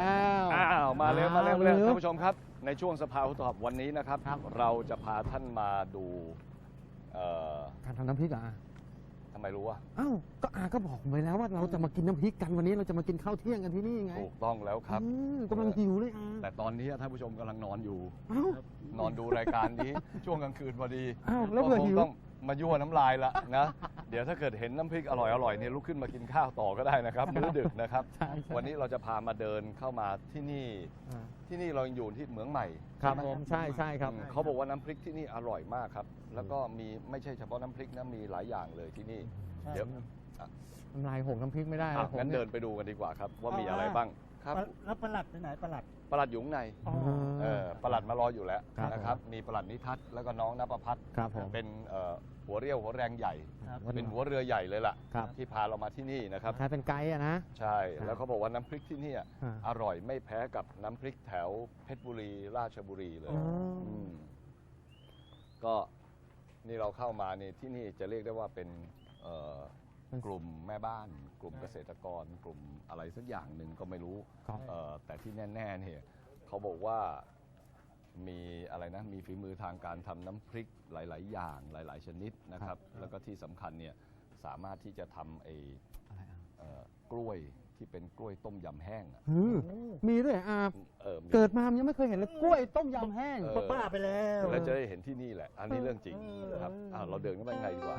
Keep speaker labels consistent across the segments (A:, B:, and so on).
A: แล้วมาเร็วท่านผู้ชมครับในช่วงสภาผู้ตอบวันนี้นะครับเราจะพาท่านมาดู
B: การทำน้ำพริกอ่ะ
A: ทำไมรู้วะ
B: อ้าวก็ก็บอกไปแล้วว่าเราจะมากินน้ำพริกกันวันนี้เราจะมากินข้าวเที่ยงกันที่นี่ไง
A: ถูกต้องแล้วครับ
B: กำลังหิวเลย
A: แต่ตอนนี้ท่านผู้ชมกำลังนอนอยู่นอนดูรายการนี้ช่วงกลางคืนพอดี
B: แล้วเผื่อหิว
A: ต้องมายั่วน้ำลายละนะเดี๋ยวถ้าเกิดเห็นน้ำพริกอร่อยเนี่ยลุกขึ้นมากินข้าวต่อก็ได้นะครับมื้อดึกนะครับวันนี้เราจะพามาเดินเข้ามาที่นี่เราอยู่ที่เหมืองใหม่
B: ครับผมใช่ครับ
A: เขาบอกว่าน้ำพริกที่นี่อร่อยมากครับแล้วก็มีไม่ใช่เฉพาะน้ำพริกนะมีหลายอย่างเลยที่นี่เดี๋ยว
B: น้ำลายหกน้ำพริกไม่ได้
A: งั้นเดินไปดูกันดีกว่าครับว่ามีอะไรบ้างครับ
C: แล้วประหลัดไปไหนประหลัด
A: อยู่ข้างในประหลัดมารออยู่แล้วนะครับมีประหลัดนิทัศน์แล้วก็น้องณภพัฒน์เป็นหัวเรี่ยวหัวแรงใหญ่เป็นหัวเรือใหญ่เลยล่ะที่พาเรามาที่นี่นะครับ
B: เป็นไกด์นะ
A: ใช่แล้วเขาบอกว่าน้ำพริกที่นี่อร่อยไม่แพ้กับน้ำพริกแถวเพชรบุรีราชบุรีเลยก็นี่เราเข้ามานี่ที่นี่จะเรียกได้ว่าเป็นกลุ่มแม่บ้านกลุ่มเกษตรกรกลุ่มอะไรสักอย่างหนึ่งก็ไม่รู้แต่ที่แน่ๆเนี่ยเขาบอกว่ามีอะไรนะมีฝีมือทางการทำน้ำพริกหลายๆอย่างหลายๆชนิดนะครับแล้วก็ที่สำคัญเนี่ยสามารถที่จะทำกล้วยที่เป็นกล้วยต้มยำแห้ง
B: มีด้วยเกิดมายังไม่เคยเห็นเลยกล้วยต้มยำแห้ง
C: ป้าไปแล้ว
A: เราจะได้เห็นที่นี่แหละอันนี้เรื่องจริงนะครับเราเดินเข้าไปข้างในดีกว่า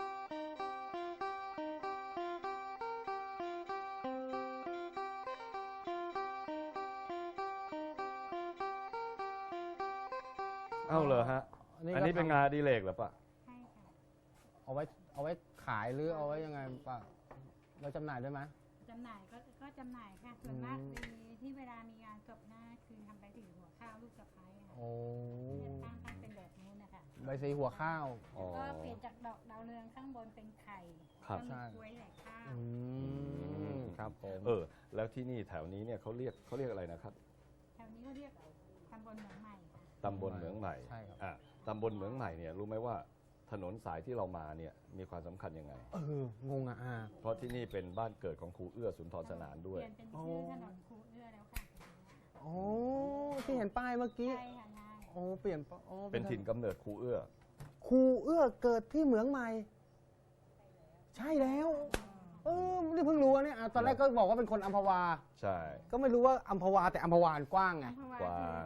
A: เอาเลยฮะอันนี้เป็นงานดีเลกหรือเปล่า
D: ใช่ค่ะ
B: เอาไว้ขายหรือเอาไว้ยังไงป่ะเราจำหน่ายได้ไหม
D: จำหน่ายก็จำหน่ายค่ะส่วนมากที่เวลามีงานศพหน้าคือทำใบสีหัวข้าวลูกสะใภ้ค่ะตั้งเป็นแบบนู้นนะคะ
B: ใบสีหัวข้าว
D: ก็เปลี่ยนจากดอกดาวเรืองข้างบนเป็นไข่ก็มีกล้วยแหลกข้าว
B: ครับผม
A: แล้วที่นี่แถวนี้เนี่ยเขาเรียกอะไรนะครับ
D: แถวนี้เขาเรียกตำบลเหมืองใหม่
A: ตำบลเหมืองใหม่
B: ใช่ครับ
A: ตำบลเหมืองใหม่เนี่ยรู้ไหมว่าถนนสายที่เรามาเนี่ยมีความสำคัญยังไง
B: งง
A: เพราะที่นี่เป็นบ้านเกิดของครูเอื้อสุนทรสนานด้วย
D: เปลี่ยนเป็นชื่อถนนครูเอื้อแล้วค่ะ
B: ที่เห็นป้ายเมื่อกี้
D: ใช่ค่ะ
B: เปลี่ยน
A: เป็นถิ่นกำเนิดครูเอื้อ
B: เกิดที่เหมืองใหม่ใช่แล้วนี่เพิ่งรู้เนี่ยตอนแรกก็บอกว่าเป็นคนอัมพวา
A: ใช่
B: ก็ไม่รู้ว่าอัมพวาแต่อัมพวากว้างไง
A: กว้าง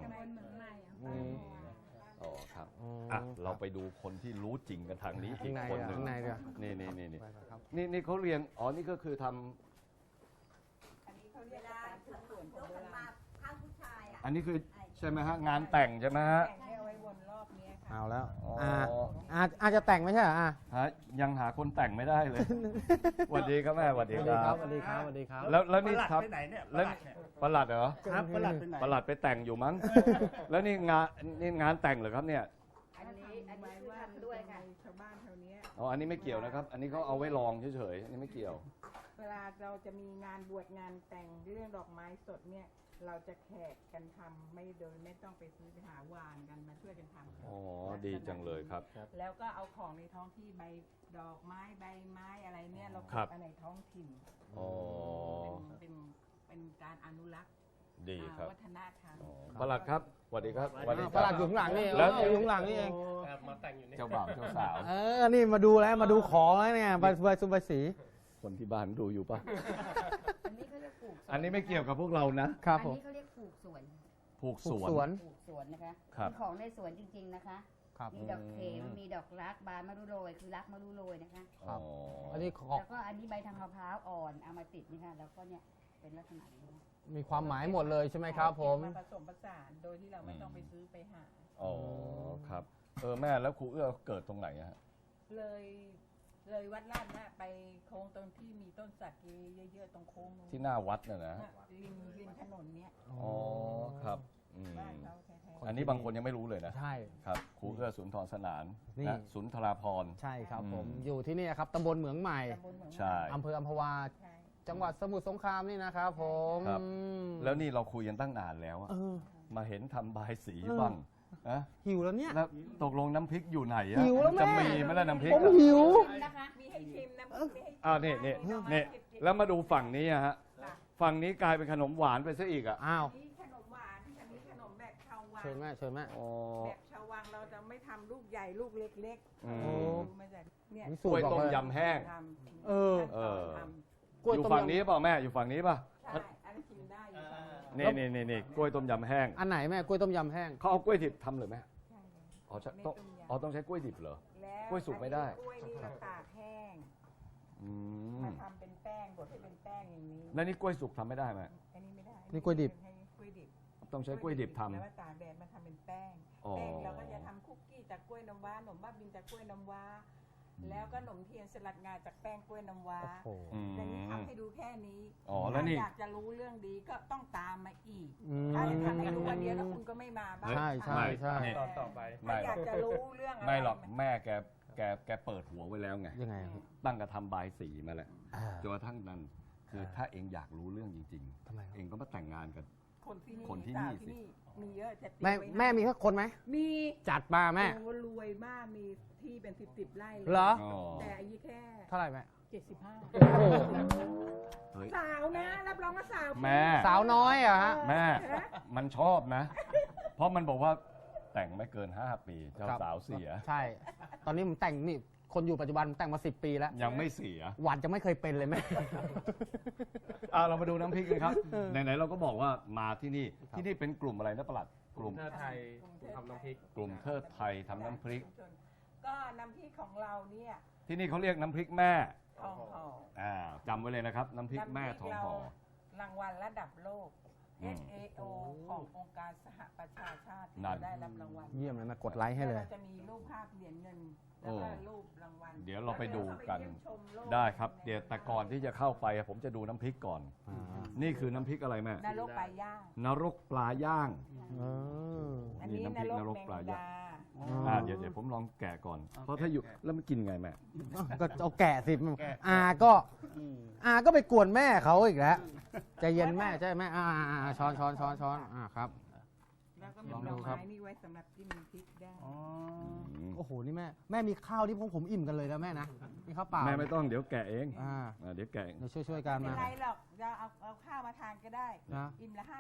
A: ครับเราไปดูคนที่รู้จริงกันทางนี้อีกคนหนึ่งนี่เขาเรียนนี่ก็คือทำอันนี้คือใช่ไหมฮะงานแต่งใช่ไหมฮะ
B: เอาแล้วอาจจะแต่งไม่ใช่เหรอ
A: ยังหาคนแต่งไม่ได้เลยสวัสดีครับแม่สวัสดีครับ
B: สวัสดีครับ
A: แล้วนี่ครับแล้วประหลัดเหรอ
C: ครับประหลัดไปไหน
A: ประหลัดไปแต่งอยู่มั้งแล้วนี่งานแต่งเหรอครับเนี่ย
D: อันนี้ว่าด้วยค่ะ
C: ชาวบ้านแถวนี้
A: อันนี้ไม่เกี่ยวนะครับอันนี้เขาเอาไว้ลองเฉยๆอันนี้ไม่เกี่ยว
C: เวลาเราจะมีงานบวชงานแต่งเรื่องดอกไม้สดเนี่ยเราจะแขกกันทำไม่ต้องไปซื้อไปหาวานกันมาช่วยกันทำ
A: ดีจังเลยครับ
C: แล้วก็เอาของในท้องที่ใบดอกไม้ใบไม้อะไรเนี่ยเราเก็บในท้องถิ่นเป็นการอนุรักษ์
A: ดีครับ
C: วัฒนธรรม
A: ประหลัดครับสวัสดีครับ
B: ประหลัดอยู่ข้างหลังนี่แล้วอยู่ข้างหลังนี่เอง
A: มาแต่งอยู่นี่เจ้าบ่าวเจ้าสาว
B: นี่มาดูแล้วมาดูของแล้วเนี่ยใบสุใบสี
A: คนที่บ้านดูอยู่ป่ะ
D: อันนี้เขาเรียกปลูก
A: อันนี้ไม่เกี่ยวกับพวกเรา
B: นะครับ
D: อันนี้เขาเรียกปลูกสวนนะคะมีของในสวนจริงๆนะคะมีดอกเข็มมีดอกรักบานมะรุโรยคือรักมะรุโรยนะคะ
B: อันนี้
D: แล้วก็อันนี้ใบทางมะพร้าวอ่อนเอามาติดนี่ค่ะแล้วก็เนี่ยเป็นลักษณะนี้
B: มีความหมายหมดเลยใช่ไหมครับผม
C: มาผสมผสานโดยที่เราไม่ต้องไปซื้อไปหา
A: ครับแม่แล้วครูเอื้อเกิดตรงไหนฮะ
C: เลยวัดลาดนะไปโค้งตรงที่มีต้นสักเยอะๆตรงโค้ง
A: ที่หน้าวัดน่ะนะ
C: ริมถนนเนี้ย
A: ครับอันนี้บางคนยังไม่รู้เลยนะ
B: ใช่
A: ครับครูเอื้อสุนทรสนานสุนทราภรณ์
B: ใช่ครับผมอยู่ที่นี่ครับตำบลเหมืองใหม่
A: ใช่
B: อำเภออัมพวาจังหวัดสมุทรสงครามนี่นะครับผม
A: แล้วนี่เราคุยกันตั้งนานแล้วมาเห็นทำบายสีบ้าง
B: หิวแล้วเนี่ย
A: แล้วตกลงน้ำพริกอยู่ไหน
B: หิวแล้วแม่
A: จะมีไหมล่ะน้ำพริก
B: ผมหิว
C: มีให้ชิมนะ
A: นี่แล้วมาดูฝั่งนี้ฮะฝั่งนี้กลายเป็นขนมหวานไปซะอีกอ่ะ
B: อ้าว
C: นี่ขนมหวานอันนี้ขนมแบบชาววัง
B: เชิญแม่เชิญแม่
A: อ๋อ
C: แบบชาววังเราจะไม่ทำลูกใหญ่ลูกเล็ก
A: อืม
C: ๆดูมาจากเนี่ย
B: นี่
A: ก
B: สู
A: ล้
B: ต
A: วย
B: รบอก
A: ต้ม
B: เลย
A: ยำแห้ง
C: ทำ
B: เออ
A: เออ
C: ท
B: กล้วย
A: อยู่
B: ต้ม
A: ฝั่ง
B: ยำ
A: นี้เปล่าแม่อยู่ฝั่งนี้ป่ะ
C: ำใช่อันนี้กินได้อยู่ฝั่งนี้
A: นี่กล้วยต้มยำแห้ง
B: อันไหนแม่กล้วยต้มยำแห้ง
A: เขาเอากล้วยดิบทำเลยไหม
C: ใช่เลย
A: อ๋อใช่
C: ไม่
A: ต้อง
C: ต้มยำ
A: อ๋อต้องใช้กล้วยดิบเหรอ
C: แล้ว
A: กล้วยสุกไม่ได้
C: กล้วยนี่เราตากแห้ง
A: อืม
C: มาทำเป็นแป้งบดให้เป็นแป้งอย่างนี้
A: แล้วนี่กล้วยสุกทำไม่ได้ไหม
C: อันนี้ไม่ได้
B: นี่กล้วยดิบ
C: ให้กล้วยดิบ
A: ต้องใช้กล้วยดิบทำ
C: แล้วมาตากแดดมาทำเป็นแป้ง
A: อ๋อ
C: แป้งเราก็จะทำคุกกี้จากกล้วยน้ำว้าขนมบ้าบินจากกล้วยน้ำว้า แล้วก็ขนมเทียนสลัดงาจากแป้งกล้วยน้ำว้า
B: โอ้โห
A: อืม
C: อย่างนี้ทำให้ดูแค่นี้
A: อ๋อแล้วนี่
C: ถ้าอยากจะรู้เรื่องดีก็ต้องตามมาอีก
B: อืม
C: ถ้าจะทำให้รู้วันเดียวแล้วคุณก็ไม่มาบ้าง
B: ใช่ใช่ใช่
A: นี่
C: ต่อไป
A: ไม่
C: ถ้าอยากจะรู้เรื่องอะไร
A: ไม่หรอกแม่แกเปิดหัวไว้แล้วไง
B: ยังไงครับ
A: ตั้งกระทำบายสีมาแล้ว
B: อ่า
A: จนกระทั่งนั้นคือถ้าเองอยากรู้เรื่องจริง
B: ทำไมครับ
A: เองก็มาแต่งงานกัน
C: คนที่นี่
A: คนที่นี่
C: สาว
A: สิ
C: มีเยอะจะตี
B: แม่
C: ไว้ให้
B: แม่มีสักคนไหม
C: มี
B: จัดมาแม่
C: โอ้รวยมากมีที่เป็นสิบไร่เลย
B: เหรอ
A: อ๋อ
C: แต่อายุแค่
B: เท่าไหร่แม่
C: 75
B: โอ้โห
A: เฮ้ย
C: สาวนะรับรองว่าสาว
A: แม่
B: สาวน้อยเหรอะฮะ
A: แม่มันชอบนะ เพราะมันบอกว่าแต่งไม่เกิน 5 ปีเจ้า
B: ครับ
A: สาวเสีย
B: ใช่ ตอนนี้ผมแต่งนี่ คนอยู่ปัจจุบันผมแต่งมา10 ปีแล้ว
A: ยังไม่เสีย
B: หวานจะไม่เคยเป็นเลยแม่
A: เรามาดูน้ำพริกกันครับ ไหนๆเราก็บอกว่ามาที่นี่ ที่นี่เป็นกลุ่มอะไรนะประหลัด กลุ่ม
E: เทิดไทยทำน้ำพริก
A: กลุ่มเทิดไทยทำน้ำพริก
C: ก็น้ำพริกของเราเนี่ย
A: ที่นี่เขาเรียกน้ำพริกแม่
C: ทองห่อ
A: จำไว้เลยนะครับ น้ำพริกแม่ทองห่อ
C: รางวัลระดับโลก
A: อืม
C: FAO ขององค์การสหประชาชาติที่
A: นั่น
C: จะได้รับรางวัล
B: เยี่ยมเลยแม่กดไลค์ให้เลย
C: แวราจะมีรูปภาพเหรียญเงิน แล้วก็รูปรางวัล
A: เดี๋ยวเราไปดูกัน
C: แล้วเดี๋ยวเข้าไปเยี่ยมชมโลก
A: ได้ครับ เดี๋ยวแต่ก่อนที่จะเข้าไปผมจะดูน้ำพริกก่อน นี่คือน้ำพริกอะไรแม่
C: นรกปลาย่าง
A: นรกปลาย่าง
C: อันนี้
A: นี่
C: น
A: น้ำพริก
C: รก
A: นรก
C: แมง
A: ปลาย่าง
C: ดา
A: เดี๋ยวผมลองแกะก่อน เพราะถ้าอยู่แล้วมันกินไงแม่
B: ก็เอาแกะสิอาก็ไปกวนแม่เขาอีกแล้วใจเย็นแม่ใช่ไหมช้อนครับ
C: แล้วก็มี
B: ลอง
C: ด
B: ดู
C: อก
B: ครับ
C: ไม้นี่ไว้สำหรับจิ้มพริกได้
B: โอ้โหนี่แม่มีข้าวที่ผมอิ่มกันเลยนะแม่นะมีข้าวเปล่า
A: แม่ไม่ต้องเดี๋ยวแกะเอง
B: อ่า
A: เดี๋ยวแกะ
B: เดี๋ยวช่วยกัน
C: ไม่เป็
B: มา
C: นไรหรอกเราเอาข้าวมาทานก็ได้
B: นะ
C: อิ่มละ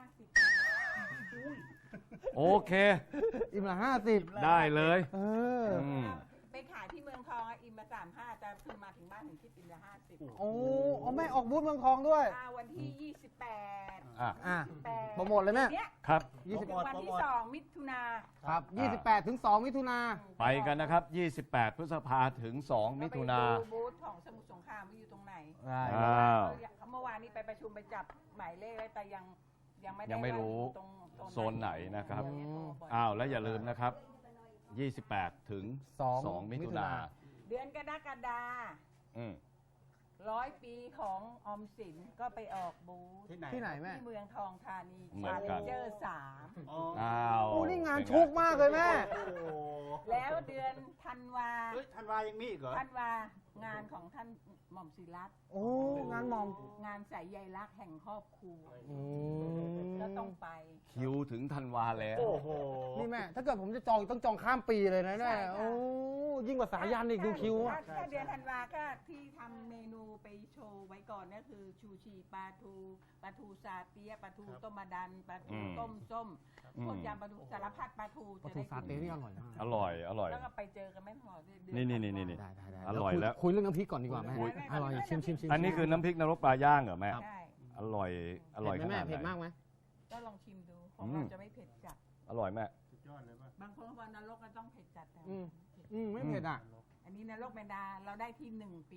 C: 50
A: โอเค
B: อิ่มละ50
A: ได้เลย
B: เออ
A: อืม
C: ไปขายที่เมืองทองอะอิ่มละ35แต่คือมาถึงบ้านถึงคิดอิ่มละ50
B: โอ้เอาแม่ออกบูธเมืองทองด้วย
C: วันที่28
A: อ่ะ
B: โปรโมทเลยแม่
C: เนี่ย
A: ครับ
C: ถึงวันที่2มิถุนา
B: ครับ28 ถึง 2 มิถุนา
A: ไปกันนะครับ 28 พฤษภาถึง 2 มิถุนา
C: เรไปดูบูธของสมุทรสงครามว่าอยู่ตรงไหน
B: ได้
A: อ้าว
C: เมื่อวานนี้ไปประชุมไปจับหมายเลขไว้แต่ยังไม่ได้
A: ยังไม่รู้
C: ว่าอยู่ตรง
A: โซนไหนนะครับ
C: เดี๋ยวโทรบอก
A: อ้าว แล้วอย่าลืมนะครับ 28 ถึง 2 มิถุนา
C: เดือนกรกฎา
A: อืม
C: 100 ปีของออมสินก็ไปออกบูธ
B: ที่ไหนแม่
C: ที่เมืองทองธานี
A: เหมือนกัน
C: เจอร์3
A: อ้าว
B: โอ้นี่งานชุกมากเลยแม่
C: แล้วเดือนธันวา
E: ธันวายังมีอีกเหรอ
C: ธันวางานของท่านหม่อมศิรัตน์
B: โอ้งานหมอม
C: งานสายใยรักแห่งครอบครัว
B: อืม
C: ก็ต้องไป
A: คิวถึงธันวาแล้ว
E: โอ้โห
B: นี่แม่ ถ้าเกิดผมจะจองต้องจองข้ามปีเลยนะ
C: ใช่
B: เนี่ย
C: ค่ะ
B: โอ้ยิ่งกว่าสายันอีกดูคิวอะ
C: ถ้าเดือนธันวาก็ที่ทำเมนูไปโชว์ไว้ก่อนก็คือชูชีปลาทูซาเตียปลาทูต้มมะดันปลาทู
A: อืม
C: ต้มส้ม
A: อืม
C: พวกยำปลาทูสารพัดปลาทู
B: ปลา
C: จะ
B: ทู
C: ได้
B: ซาเต้นี่อร่อยมาก
A: อร่อย อร่อย
C: แล้วก็ไปเจอกันแม่หมอเดือ
A: นี่
C: ธัวา
A: นี่
B: ได้
A: อร่อยแล้ว
B: คุยเรื่องน้ำพริกก่อนดีกว่าแม่
C: คุย
B: อร่อยชิม
A: อันนี้คือน้ำพริกนรกปลาย่างเหรอแม่
C: ใช่
A: อร่อย อร่อย
B: เผ็ด
A: ข
B: ไหม
A: นา
B: แม่
A: ด
B: เผ็ด
A: ไหน
B: มากไหม
C: ก็ลองชิมดูของ
A: อื
C: เรา
A: ม
C: จะไม่เผ็ดจัด
A: อร่อยแม่
E: ยอดเลยป่ะ
C: บางคนว่านรกก็ต้องเผ็ดจัดแต่
B: อืม ไม่เผ็ดอ่ะ
C: อันนี้นรกแมนดาเราได้ที่1 ปี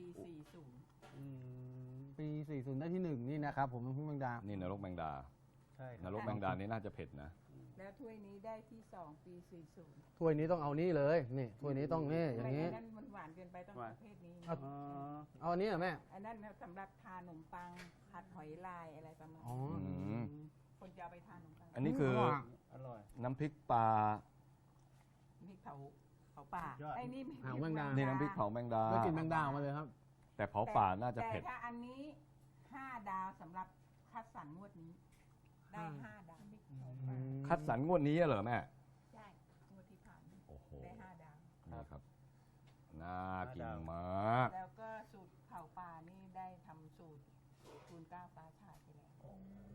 B: ปี 40 ได้ที่ 1 นี่นะครับ ผมน้ำพริกแมงดา
A: นี่นรกแมงดา
E: ใช่
A: นรกแมงดานี่น่าจะเผ็ดนะ
C: 40 แล้วถ้วยนี้ได้ที่2 ปี 40
B: ถ้วยนี้ต้องเอานี่เลย นี่ถ้วยนี้ต้องนี่อย่างนี้
C: นี้นั่นมันหวานเกินไปต้องประเภทนี้
B: เอา
E: อ๋อ
B: เอาอันนี้เหรอแม่
C: อันนั้นสำหรับทานขนมปังผัดหอยลายอะไรประมาณ
B: อ๋อ
A: ม
C: คนจะเอาไปทานขนมปัง
A: อันนี้คือ
E: อร่อย
A: น้ำพริกปลา
C: นี่เผาป่า
E: สุดยอด
C: ไอ้นี่
B: เผาแมงดา
A: นี่น้ำพริกเผาแมงดา
B: แล้วกินแมงดาออกมาเลยครับ
A: แต่เผาป่าน่าจะเผ็ด
C: แต่ถ้าอันนี้5 ดาวสำหรับคัดสรรงวดนี้ ได้5 ดาว
A: คัดสรรงวดนี้เหรอแม่
C: ใช่งวดที่ผ่านมา
A: โอ้โห
C: ได้5 ดาว
A: นี่ครับ น่ากินมาก
C: แล้วก็สูตรเผาป่านี่ได้ทำสูตรทูลเกล้าฟ้าชายไปแล้ว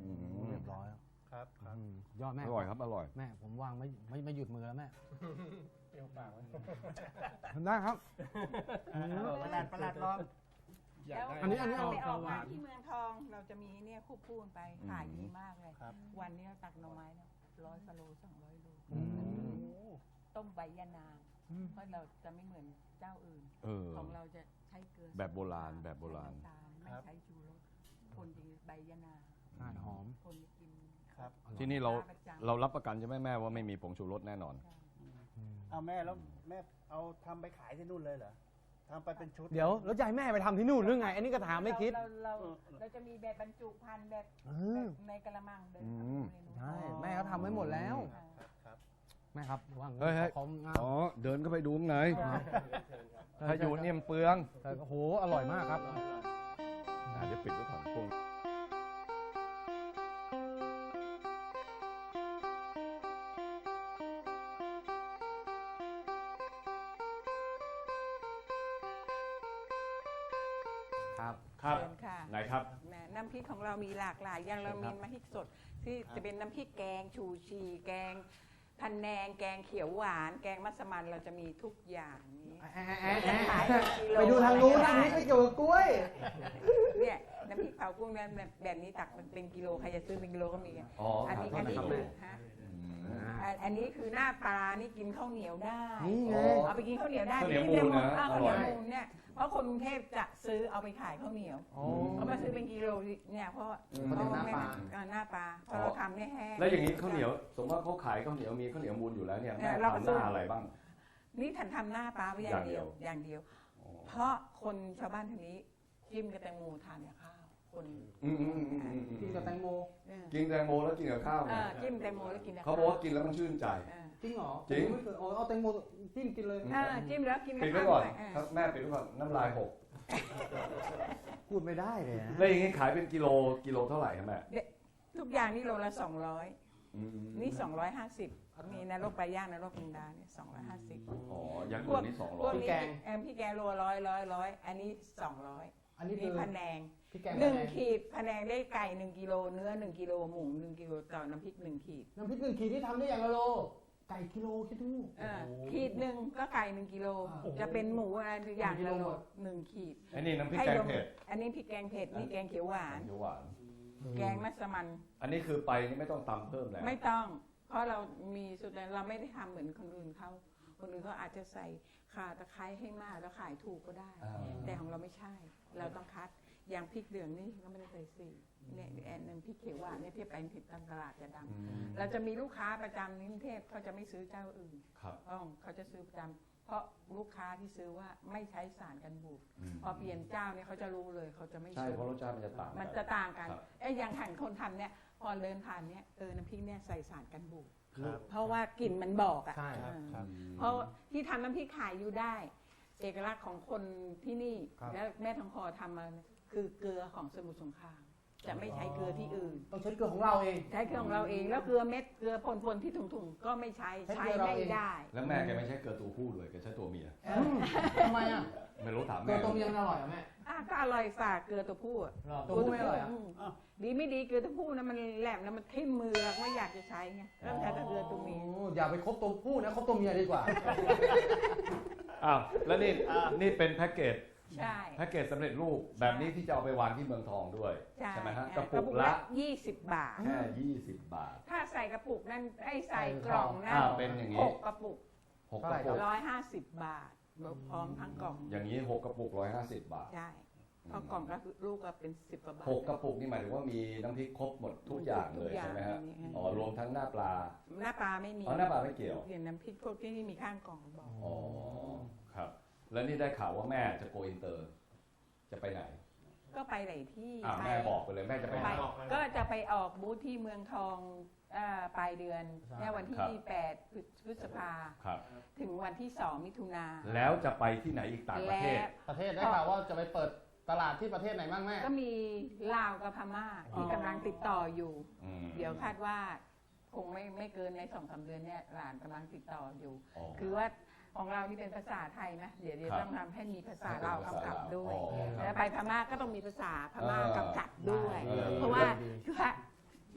B: เรียบร้อย
E: ครับครับ
B: ยอดแม่
A: อร่อยครับอร่อย
B: แม่ผมวางไม่หยุดมือแล้วแม่
E: เปรี้ยวปากไว้
B: ได้ครับ
E: ประหลาดลองอยากได้
B: อันนี้
C: เราไปออก
E: ห
C: มาว
E: าน
C: ที่เมืองทองเราจะมีเนี่ยคู่พูนไปขายดีมากเลย
E: ครับ
C: วันนี้เราตักหน่อไม้เนี่ย100 กิโล200 โล
B: อืม
C: ต้มใบยะนางเพราะเราจะไม่เหมือนเจ้าอื่น
A: เออ
C: ของเราจะใช้เกลือ
A: แบบโบราณแบบโบราณ
C: ใช้น้ำตลไม่ใช้ชูรสคนจะใบยะนาง
B: หอม
C: คนจะกิน
E: ครับ
A: ที่นี่เรารับประกันใช่ไหมแม่ว่าไม่มีผงชูรสแน่นอน
E: เอาแม่แล้วแม่เอาทำไปขายที่นู่นเลยเหรอทำไปเป็นชุด
B: เดี๋ยวแล้วจะให้แม่ไปทำที่นู่นหรือไง อันนี้ก็ถามไม่คิด
C: เราจะมีแบบบรรจุภัณฑ์แบบ
B: เออ
C: ในกระมังเดิน
B: ใช่แม่เขาทำไว้หมดแล้ว
E: ครับ
B: แม่ครับว่าง
A: เฮ้ย
B: ของงาม
A: อ๋อเดินเข้าไปดูข้างใน
B: ใช่
A: ถ้าอยู่เนี่ยมันเปลือง
B: ใช่โอ้โหอร่อยมากครับ
A: เดี๋ยวปิดไว้ก่อนพวก
B: ครับ
A: ครับ
C: เชิญค่ะ
A: ไหนครับ
C: น้ำพริกของเรามีหลากหลายอย่างเรามีน้ำพริกสดที่จะเป็นน้ำพริกแกงชูชีแกงพันแนงแกงเขียวหวาน แกงมัสมั่นเราจะมีทุกอย่างนี้
B: ไปดูทางนู้นทางนี้ไม่เกี่ยวกับกล้วย
C: เนี่ยน้ำพริกเผากุ้งเนี่ยแบบนี้ตักเป็นกิโลใครจะซื้อเป็นกิโลก็มีอ่ะ
A: อ๋ออั
C: อันนี้
A: ขอโทษนะครับ
C: คือฮะอันนี้คือหน้าปลานี่กินข้าวเหนียวได้
B: นี่ไง
C: เอาไปกินข้าวเหนียวได้
A: ข้าวเหนียวมูลนะ
C: ข้าว
A: อ
C: เห
A: ร่
C: นี
A: อย
C: ยวมูลเนี่ยเพราะคนกรุงเทพจะซื้อเอาไปขายข้าวเหนียว เขามาซื้อเป็นกิโลเนี่ยเพราะ
B: ข้าวเหนียวหน้าปลา
C: หน้าปลาเพราะเราทำเนี่ยแห้ง
A: แล้วอย่างนี้ข้าวเหนียว สมมติว่าเขาขายข้าวเหนียวมีข้าวเหนียวมูลอยู่แล้วเนี่ยแม่
C: เราก็
A: ทำห
C: ซื้อ
A: น้าอะไรบ้าง
C: นี่ฉันทำหน้าปลาไว้อย่างเดียวอย่างเดียว เพราะคนชาวบ้านทีนี้จิ้มกับแตงโมทานกับข้าวคน
B: กินกับแตงโม
A: กินแตงโมแล้วกินกับข้าวไง
C: จิ้มแตงโมแล้วกินกับ
A: เขาบอกว่ากินแล้วมันชื่นใจ
B: จริงเหรอ
A: จริง
B: ไม่เคยเอาแตงโมจิ้มกินเลย
C: จิ้มแล้วกินกับ
A: ปิดไว้
C: ข้าว
A: ก่อน
C: ด้วย
A: ครับแม่ปิดไว้ก่อนน้ำลายหก
B: พูดไม่ได้เลยนะ
A: แล้วอย่างนี้ขายเป็นกิโลเท่าไหร่ครับแม่
C: ทุกอย่างนี่โลละ200
A: อืม
C: นี่250มีนรกปลาย่างนรกมินดาเนี่ย250
A: อ๋ออย่างอื่นนี่
C: พวก
A: 200
C: นี้พี่แกงโล100 อันนี้200
B: อันนี้คื
C: นี่
B: อ
C: พะแนง
B: พี่แกง
C: 1 ขีดพะแนงได้ไก่1 กิโลเนื้อ1 กิโลหมู1 กิโลต่อน้ำพริก1 ขีด
B: น้ำพริก1 ขีดที่ทำได้อย่างละโล ไก่กิโลคิดดู
C: ขีดหนึ่งก็ไก่1 กิโลจะเป็นหมูอะไรอย่างละโล1 ขีด
A: อันนี้น้ำพริกแกงเผ็ด
C: อันนี้พริกแกงเผ็ดนี่แกงเขียวหวาน
A: เขียวหวาน
C: แกงมัสมั่น
A: อันนี้คือไปนี่ไม่ต้องตำเพิ่มแล้ว
C: ไม่ต้อง เพราะเรามีสุดแล้วเราไม่ได้ทำเหมือนคนอื่นเขาคนอื่นเขาอาจจะใส่ข่าตะไคร้ให้มากแล้วขายถูกก็ได้ แต่ของเราไม่ใช่ เราต้องคัดอย่างพริกเหลืองนี่ก็ไม่ได้ใส่สีเนี่ยแอนนึงพริกเขียวหวานเนี่ยที่ไปผิดตามตลาดจะดำเราจะมีลูกค้าประจำในกรุงเทพเขาจะไม่ซื้อเจ้าอื่น
A: ครับ
C: เขาจะซื้อประจำเพราะลูกค้าที่ซื้อว่าไม่ใช้สารกันบูดพอเปลี่ยนเจ้าเนี่ยเขาจะรู้เลยเขาจะไม่
A: ใช่
C: ซื้อ
A: เพราะรสชาติมันจะต่าง
C: มันจะต่างกัน
A: ครับ
C: อย่างหันคนทำเนี่ยพอเดินผ่านเนี่ยน้ำพริกเนี่ยใส่สารกันบูด
E: ครับ
C: เพราะว่ากลิ่นมันบอกอ่ะ
B: ใช่
C: เออ
E: ครับ
C: เพราะที่ทำน้ำพริกขายอยู่ได้ เอกลักษณ์ของคนที่นี่
B: ครับ
C: แล้วแม่ทองคอทำมาเนี่ยคือเกลือของสมุทรสงครามจะไม่ใช้เกลือที่อื่น
B: ต้องใช้เกลือของเราเอง
C: ใช้เกลือของเราเองแล้วเกลือเม็ดเกลือพนๆที่ถุงๆก็ไม่ใช้
B: ใช้
C: ใช้
B: เกลือเรา
C: ไม่
B: เอง
C: ได้
A: แล้วแม่แกไม่ใช่เกลือตัวผู้เลยแกใช้ตัวเมีย
B: ทำไมอ่ะ
A: ไม่รู้ถาม
B: เกลื
A: แม่
B: อต้มยำอร่อยอ่ะแม่
C: ก็อร่อยฝากเกลือตัวผู้อะ
B: ตัวผู้ไม่อร่อยอ่ะ
C: ดีไม่ดีเกลือตัวผู้นะมันแหลมแล้วมันทิ่มมือไม่อยากจะใช้ไงเริ่มใช้แต่เกลือตัวเมีย
B: อย่าไปคบตัวผู้นะคบตัวเมียดีกว่า
A: อ้าวแล้วนี่เป็นแพ็กเกจ
C: ใช่
A: แพ็กเกจสำเร็จรูปแบบนี้ที่จะเอาไปวางที่เมืองทองด้วย
C: ใช่
A: ไหมฮะกระปุกละ
C: 20 บาท
A: แค่20 บาท
C: ถ้าใส่กระปุกนั่นไอ้ใส่กล่องนั่น
A: เป็นอย่างนี้
C: 6 กระปุก
A: 6 กระปุก
C: 150 บาทพร้อมทั้งกล่อง
A: อย่างนี้ 6 กระปุก 150 บาท
C: ใช่เพราะกล่องก็คือลูกก็เป็น10 กว่าบาท
A: 6 กระปุกนี่หมายถึงว่ามีน้ำพริกครบหมดทุกอย่างเลย
C: ทุกอย่าง
A: ใช่ไหมฮะ
C: มี
A: อ๋อรวมทั้งหน้าปลา
C: หน้าปลาไม่มี
A: อ๋อหน้าปลาไม่เกี่ยว
C: เห็นน้ำพริกพวกที่มีข้างกล่องบอก
A: อ๋อครับ แล้วนี่ได้ข่าวว่าแม่จะโกอินเตอร์ จะไปไหน
C: ก็ไปหลายที่
A: แม่บอกไปเลยแม่จะไปไห
C: ไป
A: น
C: ก็จะไปออกบูธที่เมืองทองปลายเดือน
B: ใช่
C: เนี่ยวันที่
A: ครับ
C: 8 พฤษภา
A: ครับ
C: ถึงวันที่ 2 มิถุนา
A: แล้วจะไปที่ไหนอีกต่างประเทศ
B: ประเทศได้ข่าวว่าจะไปเปิดตลาดที่ประเทศไหนบ้างแม่
C: ก็มีลาวกับพม่าที่กำลังติดต่ออยู่ เดี๋ยวคาดว่าคงไม่เกินใน2-3 เดือนเนี่ยหลานกำลังติดต่ออยู่
A: อ๋อ
C: คือว่าของเรานี่เป็นภาษาไทยนะ เดี๋ยว
A: ครับ
C: ต้องทำให้มีภาษาลาวกำกับด้วย
A: อ๋อครับ
C: แล้วไปพม่าก็ต้องมีภาษาพม่ากำกับด้วย
A: เออ
C: เพราะว่า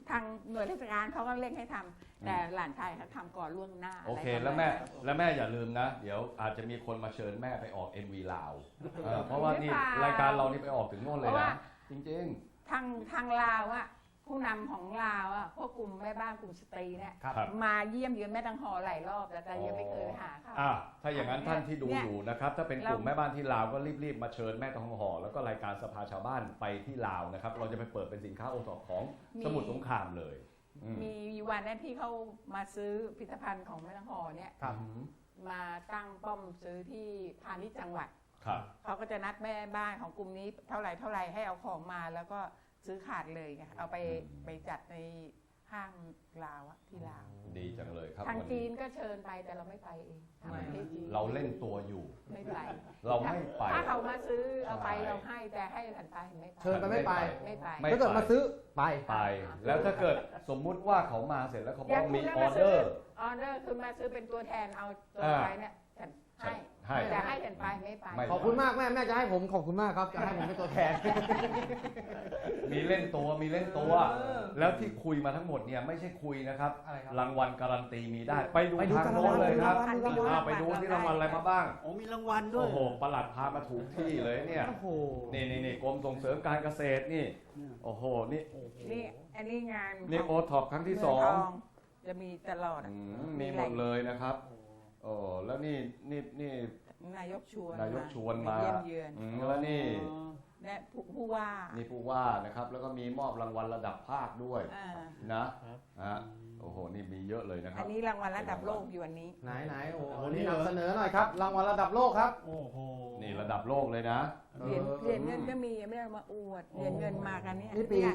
C: ทางหน่วยราชการเขาก็เร่งให้ทำแต่หลานชายเขาทำก่อนล่วงหน้า
A: โอเค
C: ะไร
A: แล้ว
C: ประ
A: แม่
C: มาณนั้น
A: แล้วแม่อย่าลืมนะ เดี๋ยวอาจจะมีคนมาเชิญแม่ไปออก MV ลาวเพราะว่านี่รายการเรานี่ไปออกถึงโน่นเลยนะจริง
C: ทางลาวอะผู้นำของลาวอะพวกกลุ่มแม่บ้านกลุ่มสตรีเนี่ย
A: ครับ
C: มาเยี่ยมเยือนแม่ตังหอหลายรอบแต่ยังไม่เคยหาเขา
A: ถ้าอย่างนั้นท่านที่ดูอยู่นะครับ ถ้าเป็นกลุ่มแม่บ้านที่ลาวก็รีบๆมาเชิญแม่ทองหอแล้วก็รายการสภาชาวบ้านไปที่ลาวนะครับ เราจะไปเปิดเป็นสินค้าโอท็อปของสมุทรสงครามเลยอืม
C: มีวันนั้นที่เขามาซื้อผลิตภัณฑ์ของแม่ตังหอเนี่ย
B: ครับ
C: มาตั้งป้อมซื้อที่พาณิชย์จังหวัด
A: ครับ
C: เขาก็จะนัดแม่บ้านของกลุ่มนี้เท่าไหร่ให้เอาของมาแล้วก็ซื้อขาดเลยไงเอาไปจัดในห้างลาวอะที่ลาว
A: ดีจังเลยครับ
C: ทาง
A: วัน
C: จี
A: นี้
C: นก็เชิญไปแต่เราไม่ไปเองทางประเทศจีน
A: เราเล่นตัวอยู่
C: ไม่ไป
A: เราไม่ไป
C: ถ้าเขามาซื้อเอาไป
A: ใช่
C: เราให้แต่ให้หลานตาเห็นไม่ไป
B: เชิญไปไม่ไป
C: ไม่ไป
A: ไม่
B: ถ้าเกิดมาซื้อไป
A: ไป แล้วถ้าเกิดสมมุติว่าเขามาเสร็จแล้วเขาบ
C: อ
A: อก
C: ย่าง
A: มี
C: คุณ
A: อ
C: มา
A: อเด
C: ซื้
A: อร์
C: ออเดอร์คือมาซื้อเป็นตัวแทนเอาตัวไปเนี่ยฉันให้
A: ให้
C: แต่ให้ฉันไปไม่ไป
A: ไม่
B: ขอบคุณมากแม่แม่จะให้ผมขอบคุณมากครับจะให้ผมเป็นตัวแทน
A: มีเล่นตัวมีเล่นตัว แล้วที่คุยมาทั้งหมดเนี่ยไม่ใช่คุยนะครับ
B: อะไรครับ
A: รางวัลการันตีมีได้ ไปดู
B: ไปดู
A: ทางโน้นเลยครับ
B: รางวัล
A: ไปดูที่รางวัลอะไรมาบ้าง
E: โอ้มีรางวัลด้ว
A: โอ้
E: ย
A: โหประหลัดพามาถูกที่เลยเนี่ย
B: โอ้โห
A: นี่กรมส่งเสริมการเกษตรนี่ โอ้โห นี่
C: นี่อันนี้งาน
A: นี่โอท็อปครั้งที่
C: เมื
A: สอง
C: ทจะมีตลอดอะ
A: มีหมดเลยนะครับโอ้แล้วนี่
C: นายกชวน
A: นายกชวนมา
C: เยี่ยมเยือน
A: แล้วนี่
C: และผู้ว่า
A: นี่ผู้ว่านะครับ แล้วก็มีมอบรางวัลระดับภาคด้วย
C: อ่า
A: นะฮะโอ้โห นี่มีเยอะเลยนะครั
C: อั
A: บ
C: นนี้รางวัลระดับโลกอยู่อันนี้
B: ไหนโอ้โหนี่นำเสนอหน่อยครับรางวัลระดับโลกครับ
E: โอ้โห
A: นี่ระดับโลกเลยนะ
C: เหรียญเงินก็มีไม่ได้เอามาอวดเหรียญเงินมากันเนี่ย
B: นี่ปี
C: เนี่ย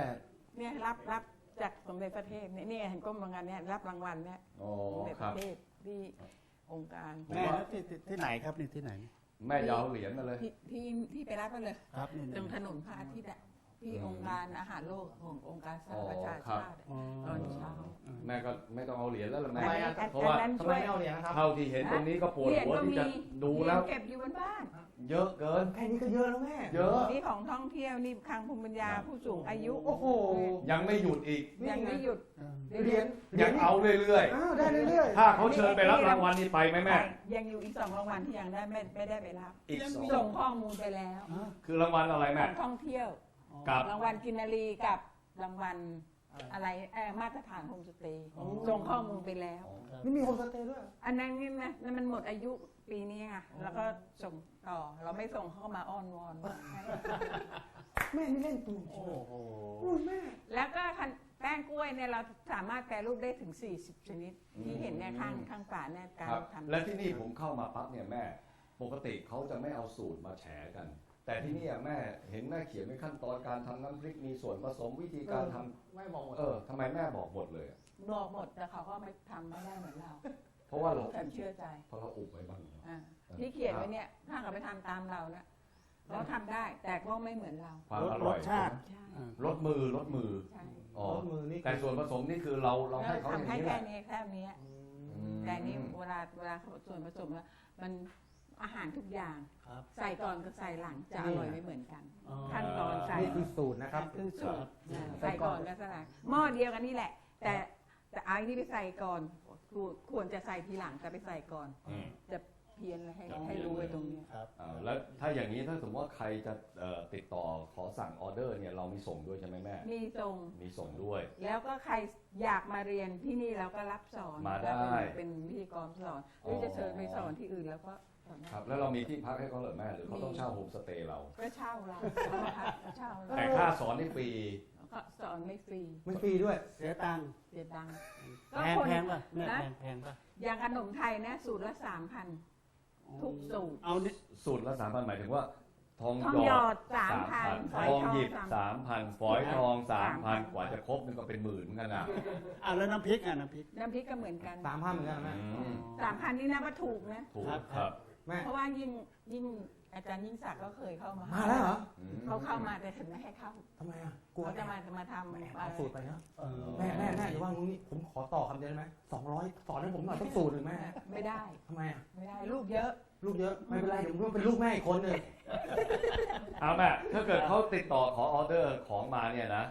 B: 98
C: เนี่ยรับจากสมเด็จพระเทพเนี่ยเนี่ยเห็นก้มรางวัลเนี่ยรับรางวัลเนี่ย
A: โอ้
C: สมเด็จ
A: ค
C: พ
A: รั
C: ระ
A: บ
C: เทพที่องค์การ
E: แม่แล้วที่ไหนครับนี่ที่ไหน
A: แม่อยาวเหรียญมาเลย
C: ที่ไปรับมาเลย
E: ครับนี่
C: ตรงถนนพระอาทิตย์อะที่องค์การอาหารโลกขององค์การสหประชาชาติอะตอนเช้า
A: แม่ก็ไม่ต้องเอาเหรียญแล้วล่ะ
B: ทำ
A: แม่
B: ไมอ่ะ
A: เพราะว่า
C: อันนั้น
B: ทำไมไม่เอาเหรียญนะครับ
A: เท่าที่เห็นตรงนี้ก็ปวดหัวที่จะดูแล้ว
C: เก็บอยู่บนบ้าน
A: เยอะเกิน
B: แค่นี้ก็เยอะแล้วแม่
A: เยอะ
C: นี่ของท่องเที่ยวนี่คลังภูมิปัญญาผู้สูงอายุ
B: โอ้โห
A: ยังไม่หยุดอีก
C: ยังไม่หยุด
B: เหรียญ
A: ยังเอาเรื่อย
B: อ้าวได้เรื่อย
A: ๆ ถ้าเขาเชิญไปรับรางวัลนี่ไปไหมแม่
C: ยังอยู่อีก2 รางวัลที่ยังได้ไม่ได้ไปรับ
A: อีกส
C: ส่
A: อง
C: งข้อมูลไปแล้ว
A: คือรางวัลอะไร
C: ข
A: แม่
C: องท่องเที่ยว
A: กับ
C: รางวัลกินนารีกับรางวัลอะไรมาตรฐานโฮมสเตย์ส่งข้อมูลไปแล้ว
B: ๆนี่มีโฮมสเตย์ด้วย
C: อันนั้นนี่นะนั่นมันหมดอายุปีนี้ไงแล้วก็ส่งต่อเราไม่ส่งเข้ามาอ้อนวอนว่าให้
B: แม่นี่เล่นตัว
E: โอ้โห
B: อุ้ยแม่
C: แล้วก็แป้งกล้วยเนี่ยเราสามารถแปรรูปได้ถึง40 ชนิด ที่เห็นเนี่ยข้างฝาเนี่ยการ
A: ครับ
C: ทำ
A: และที่นี่ผมเข้ามาปั๊บเนี่ยแม่ ปกติเขาจะไม่เอาสูตรมาแฉกัน แต่ที่นี่แม่เห็นแม่เขียนในขั้นตอนการทำน้ำพริกมีส่วนผสมวิธีการทำ
B: แม่บอกหมด
A: ทำไมแม่บอกหมดเลยอะ
C: บอกหมดแต่เขาก็ไม่ทำไม่ได้เหมือนเรา
A: เพราะว่าเรา
C: ฉันเชื่อใจ
A: เพราะเราอุบไว้บ้างเนอะ
C: อ่าที่เขียนไว้เนี่ยถ้าเขาไปทำตามเราเนี่ยเราทำได้แต่ก็ไม่เหมือนเรา
A: ความอร่อย
E: รสชาติ
C: ใช่
A: ลดมือ
C: ใช่
A: อ๋อ
B: รถมือนี่
A: แต่ส่วนผสมนี่คือเราให้เขาอย่าง
C: ทำให้
A: นี้แห
C: แค่
A: ละ
C: นี้แค่นี้ แต่นี่เวลาส่วนผสมแล้วมันอาหารทุกอย่าง
E: ครับ
C: ใส่ก่อนกับใส่หลังจะอร่อยไม่เหมือนกัน
E: อ๋อ
C: ขั้นตอนใส่
B: นี่คือสูตรนะครับ
C: คือสูตรใส่ก่อนกับใส่หลังหม้อเดียวกันนี่แหละ แต่ไอ้นี่ไปใส่ก่อนควรจะใส่ทีหลังแต่ไปใส่ก่อน
A: อืม
C: จะเพี้ยนเลยให้รู้ไว้ตรงนี้
E: ครับ
A: แล้วถ้าอย่างนี้ถ้าสมมติว่าใครจะติดต่อขอสั่งออเดอร์เนี่ยเรามีส่งด้วยใช่ไหมแม่
C: มีตรง
A: มีส่งด้วย
C: แล้วก็ใครอยากมาเรียนที่นี่เราก็รับสอน
A: มาได้
C: เป็นพิธีกรสอนหรือจะเชิญไปสอนที่อื่นแล้วก็สอนได้
A: ครับ แล้วเรามีที่พักให้เขาเหรอแม่หรือเขาต้องเช่าโฮมสเตย์เรา
C: ก็เช่าเราเช่าเรา
A: แต่ค่าสอนนี่ฟรี
C: ก็สอนไม่ฟรี
B: ไม่ฟรีด้วย
E: เสียตังค์
C: เสียตังค์
E: แพงป่ะแม่
C: นะ
E: แพงป่ะ
C: อย่างขนมไทยนะสูตรละ 3,000 ทุกสูตร
E: เอานี่
A: สูตรละ3,000หมายถึงว่า ทอง
C: ทอง
A: ห
C: ห
A: ย
C: ย
A: อ
C: อ
A: ด
C: ด 3,000
A: ทองหยิบ3,000ฝอยทอง 3,000 กว่าจะครบนึงก็เป็นหมื่นเหมือนกันนะ
E: แล้วน้ำพริกน้ำพริก
C: น้ำพริกก็เหมือนกัน
B: 3,000เหมือนกันนะแม่
C: 3,000 นี่นะว่าถูกนะ
A: ถูก
E: ครับ
A: ครับ
B: แม่
C: เพราะว่ายิ่งอาจารย์ยิ่งศักดิ์ก็เคยเข้ามา
B: มาแล้วเหรอ
C: เขาเข้ามาแต่ฉันไม่ให้เข้า
B: ทำไมอ่ะกลัว
C: เขาจะ
B: แม่
C: มาทำ
B: แม่
C: อะ
B: เอา
C: ไร
B: สูตรไปเนาะ
E: เออ
B: แม่อย่าว่างี้ผมขอต่อคำเดียวได้ไหม200สอนให้ผมหน่อยต้องสูตรหนึ่งแม่
C: ไม่ได้
B: ทำไมอ่ะ
C: ไม่ได้ลูกเยอะ
B: ลูกเยอะไม่เป็นไรเดี๋ยวผมเป็นลูกแม่อีกคนหนึ่ง
A: เอาแม่ถ้าเกิดเขาติดต่อขอออเดอร์ของมาเนี่ยนะ ต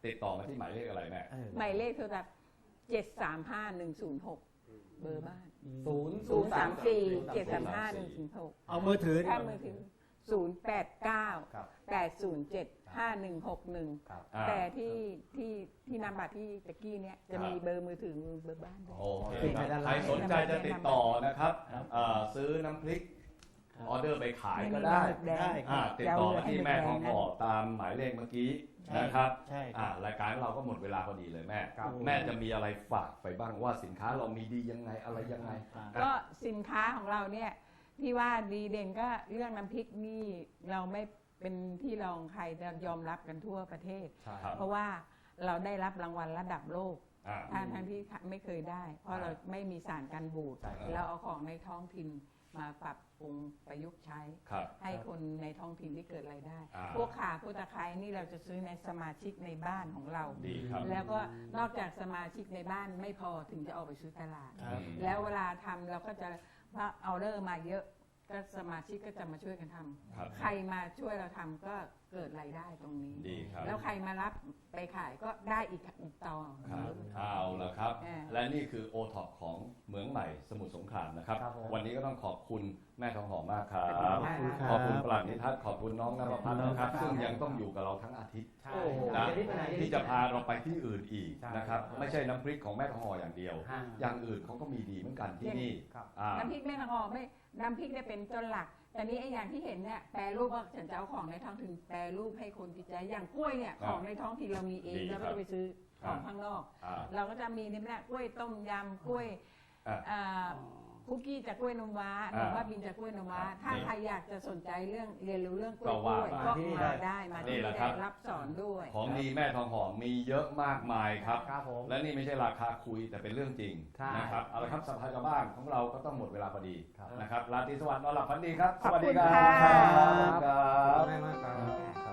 A: ติดต่อมาที่หมายเลขอะไรแม่
C: หมายเลขโทรศัพท์735106 เบอร์บ้าน 034 735 106
E: เอามือถือ
C: ถ้ามือถือ089 807 5161
A: ครับ
C: แต่ที่นามบัตรที่ตะกี้เนี่ยจะมีเบอร์มือถือเบอร์บ้านด้วย
A: โอเคครับใครสนใจจะติดต่อนะครับซื้อน้ำพริกออเดอร์ไปขายก็ได้
E: ได้ค
A: อ่า
E: รับ
A: ติดต่อมาที่แม่ทองหอตามหมายเลขเมื่อกี้
E: ใช่
A: นะครับ
E: ใช่ครับ
A: รายการเราก็หมดเวลาพอดีเลยแม่
B: ครับ
A: แม่จะมีอะไรฝากไปบ้างว่าสินค้าเรามีดียังไงอะไรยังไง
C: ก็สินค้าของเราเนี่ยที่ว่าดีเด่นก็เรื่องน้ำพริกนี่เราไม่เป็นที่รองใครจะยอมรับกันทั่วประเทศ
A: ครับ
C: เพราะว่าเราได้รับรางวัลระดับโลก
A: อ่า
C: ทั้งที่ไม่เคยได้ เพราะเราไม่มีสารกันบูด
A: ใช่ครับ
C: เราเอาของในท้องถิ่นมาปรับปรุงประยุกต์ใช้
A: ครับ
C: ให้คนในท้องถิ่นที่เกิดรายได้
A: อ่า
C: พวกข่าพวกตะไคร้นี่เราจะซื้อในสมาชิกในบ้านของเรา
A: ดีครับ
C: แล้วก็นอกจากสมาชิกในบ้านไม่พอถึงจะออกไปซื้อตลาด
E: ครับ
C: แล้วเวลาทำเราก็จะว่าออเดอร์มาเยอะก็สมาชิกก็จะมาช่วยกันทำ
A: ครับ
C: ใครมาช่วยเราทำก็เกิดรายได้ตรงนี้
A: ดีครับ
C: แล้วใครมารับไปขายก็ได้อีกต่อ
A: ครับเอาละครับ
C: อ่า
A: และนี่คือโอท็อปของเหมืองใหม่สมุทรสงครามนะครับ
B: ครับผม
A: วันนี้ก็ต้องขอบคุณแม่ทองหอมมากครับ
B: ขอบคุณครับ
A: ขอบคุณปลัดนิทัศน์ขอบคุณน้องนภพัฒน์นะครับ ซึ่งยังต้องอยู่กับเราทั้งอาทิตย์
B: ใช่
A: นะ
B: เดี๋ยวนี้ไปไหน
A: ที่จะพาเราไปที่อื่นอีก
B: ใช่
A: นะครับ ไม่ใช่น้ำพริกของแม่ทองหออย่างเดียว
B: ฮะ
A: อย่างอื่นเขาก็มีดีเหมือนกันที่นี่
B: ครับ
C: น้ำพริกแม่นางออกไม่น้ำพริกเนี่ยเป็นต้นหลัก แต่นี้ไอ้อย่างที่เห็นเนี่ยแปรรูปว่าฉันจะเอาของในท้องถิ่นแปรรูปให้คนติดใจอย่างกล้วยเนี่ยของในท้องถิ่นเรามีเอง
A: ดี
C: แล้ว
A: ครั
C: ไม่
A: บ
C: ได้ไปซื้อของข้างนอก
A: อ่า
C: เราก็จะมีนี่แหละกล้วยต้มยำกล้วย
A: อ่า
C: คุกกี้จากกล้วยนมว้าหรือว่าบินจากกล้วยนมว้า ถ้าใครอยากจะสนใจเรื่องเรียนรู้เรื่องกล้วย
A: ก็ว่า
C: ก็
B: มาที่
C: มาได้มา
A: นี่
C: ที่
A: แหละ
C: นี่
A: ครับ
C: รับสอนด้วย
A: ของดีแม่ทองหอมมีเยอะมากมายครับ
B: ครับผม
A: และนี่ไม่ใช่ราคาคุยแต่เป็นเรื่องจริง
B: ใช่
A: นะครับเอาละครับสภาชาวบ้านของเราก็ต้องหมดเวลาพอดี
B: ครับ
A: นะครับราตรีสวัสดิ์นอนหลับฝันดีครับ
C: ขอบคุณ
A: สวัสดีครับ
C: ค่ะ
A: ครับ
B: ขอบคุณแม่มากครับ